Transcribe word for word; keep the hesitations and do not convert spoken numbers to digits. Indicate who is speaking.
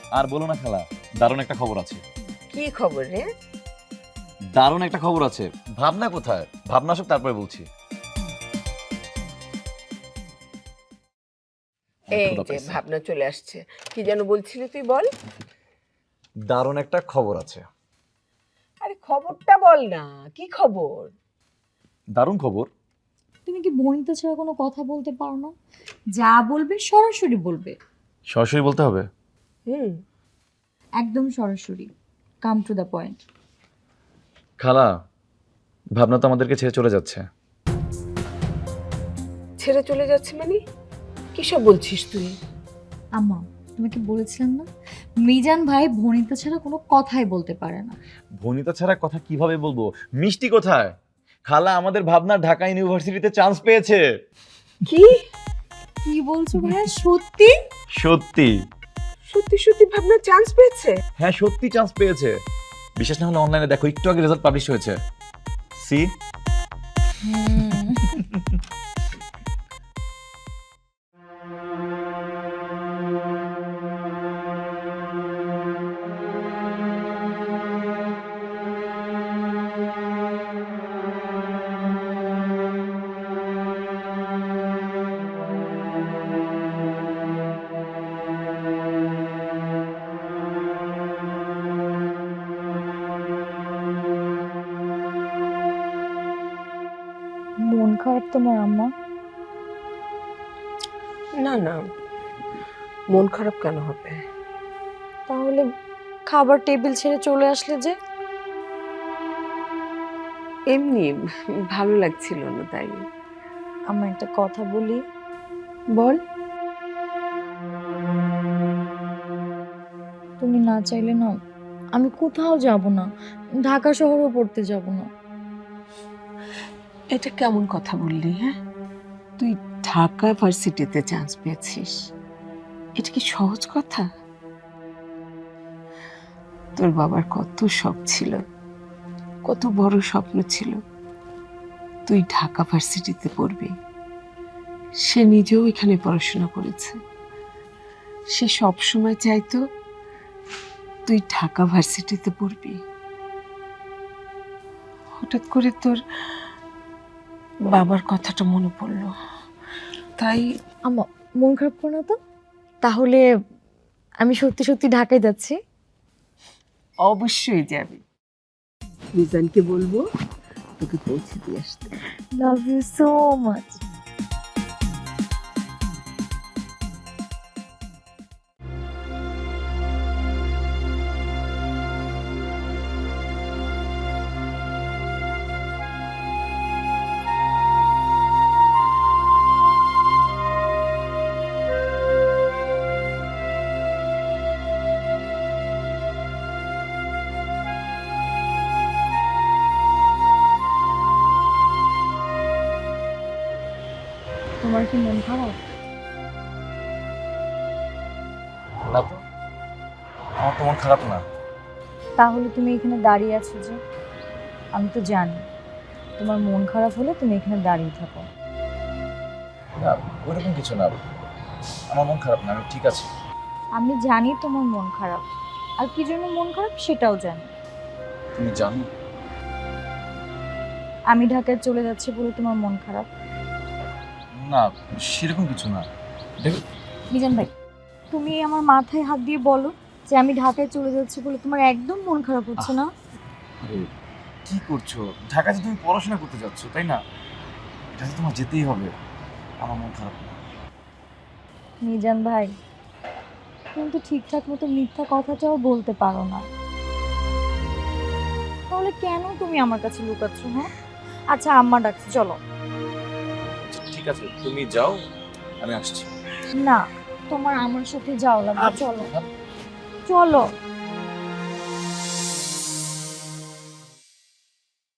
Speaker 1: আর বলো না খালা, দারুণ একটা খবর আছে।
Speaker 2: কি খবর রে?
Speaker 1: দারুণ একটা খবর আছে। ভাবনা কোথায়? ভাবনা আসুক তারপরে বলছি।
Speaker 2: এই যে ভাবনা চলে আসছে। কি যেন বলছিলি তুই, বল।
Speaker 1: দারুণ একটা খবর আছে।
Speaker 2: আরে খবরটা বল না, কি খবর?
Speaker 1: দারুণ খবর।
Speaker 3: তুমি কি বনিতা ছাড়া কোনো কথা বলতে পারো না? যা বলবে সরাসরি বলবে।
Speaker 1: সরাসরি বলতে হবে?
Speaker 2: হুম।
Speaker 3: একদম সরাসরি, কাম টু দ্য পয়েন্ট।
Speaker 1: খালা, ভাবনা তো আমাদেরকে ছেড়ে চলে যাচ্ছে।
Speaker 2: ছেড়ে চলে যাচ্ছে মানে? কি সব বলছিস তুই?
Speaker 3: আম্মা, তোমাকে বলেছিলাম না, মিজান ভাই বনিতা ছাড়া কোনো কথাই বলতে পারে না।
Speaker 1: ভনিতা ছাড়া কথা কিভাবে বলবো? মিষ্টি কোথায়? খালা, আমাদের ভাবনা ঢাকা ইউনিভার্সিটিতে চান্স পেয়েছে।
Speaker 2: কি
Speaker 3: কি বলছো ভাইয়া, সত্যি?
Speaker 1: সত্যি
Speaker 2: সত্যি সত্যি ভাবনা চান্স পেয়েছে?
Speaker 1: হ্যাঁ, সত্যি চান্স পেয়েছে। বিশেষ না হলে অনলাইনে দেখো, একটু আগে রেজাল্ট পাবলিশ হয়েছে। সি
Speaker 3: মন খারাপ তোমার আম্মা?
Speaker 2: না না, মন খারাপ কেন হবে?
Speaker 3: তাহলে খাবার টেবিল ছেড়ে চলে আসলে যে?
Speaker 2: এমনি ভালো লাগছিল না, তাই।
Speaker 3: আমার একটা কথা বলি।
Speaker 2: বল।
Speaker 3: তুমি না চাইলে না, আমি কোথাও যাব না, ঢাকা শহরেও পড়তে যাব না।
Speaker 2: এটা কেমন কথা বললি? হ্যাঁ, তুই ঢাকা ভার্সিটিতে চান্স পেয়েছিস, এটা কি সহজ কথা? তোর বাবার কত শখ ছিল, কত বড় স্বপ্ন ছিল তুই ঢাকা ভার্সিটিতে পড়বি। সে নিজেও এখানে পড়াশোনা করেছে। সে সব সময় চাইতো তুই ঢাকা ভার্সিটিতে পড়বি। হঠাৎ করে তোর বাবার কথাটা মনে পড়লো, তাই।
Speaker 3: আম্মা, মন খারাপ করো না তো। তাহলে আমি সত্যি সত্যি ঢাকায় যাচ্ছি।
Speaker 2: অবশ্যই যাবি। মিজানকে বলবো তোকে পৌঁছে দিয়ে আসতে।
Speaker 3: Love you so much. তোমার কি মন খারাপ?
Speaker 1: না তো, আমার তো মন খারাপ না।
Speaker 3: তাহলে তুমি এখানে দাঁড়িয়ে আছো যে? আমি তো জানি তোমার মন খারাপ হলে তুমি এখানে দাঁড়িয়ে থাকো।
Speaker 1: না, ওইরকম কিছু না। আমার মন খারাপ না, আমি ঠিক আছি।
Speaker 3: আমি জানি তোমার মন খারাপ, আর কি জন্য মন খারাপ সেটাও জানি।
Speaker 1: তুমি জানো?
Speaker 3: আমি ঢাকায় চলে যাচ্ছি বলে তোমার মন খারাপ?
Speaker 1: না, সেরকম কিছু না। দেখো,
Speaker 3: মিজান ভাই, তুমি আমার মাথায় হাত দিয়ে বলো যে আমি ঢাকায় চলে যাচ্ছি বলে তোমার একদম মন খারাপ হচ্ছে না?
Speaker 1: আরে কি করছো? ঢাকাতে তুমি পড়াশোনা করতে যাচ্ছ, তাই না? এটাতে তোমার যেতেই হবে। আমার মন খারাপ না।
Speaker 3: মিজান ভাই, কিন্তু ঠিকঠাক মতো মিথ্যা কথাটাও বলতে পারো না, তাহলে কেন তুমি আমার কাছে লুকাচ্ছ? হ্যাঁ, আচ্ছা আম্মা ডাকছে, চলো।
Speaker 1: আচ্ছা, ঠিক আছে, তুমি যাও, আমি আসছি।
Speaker 3: না, তোমার আমার সাথে যাও লাগবে, চলো চলো।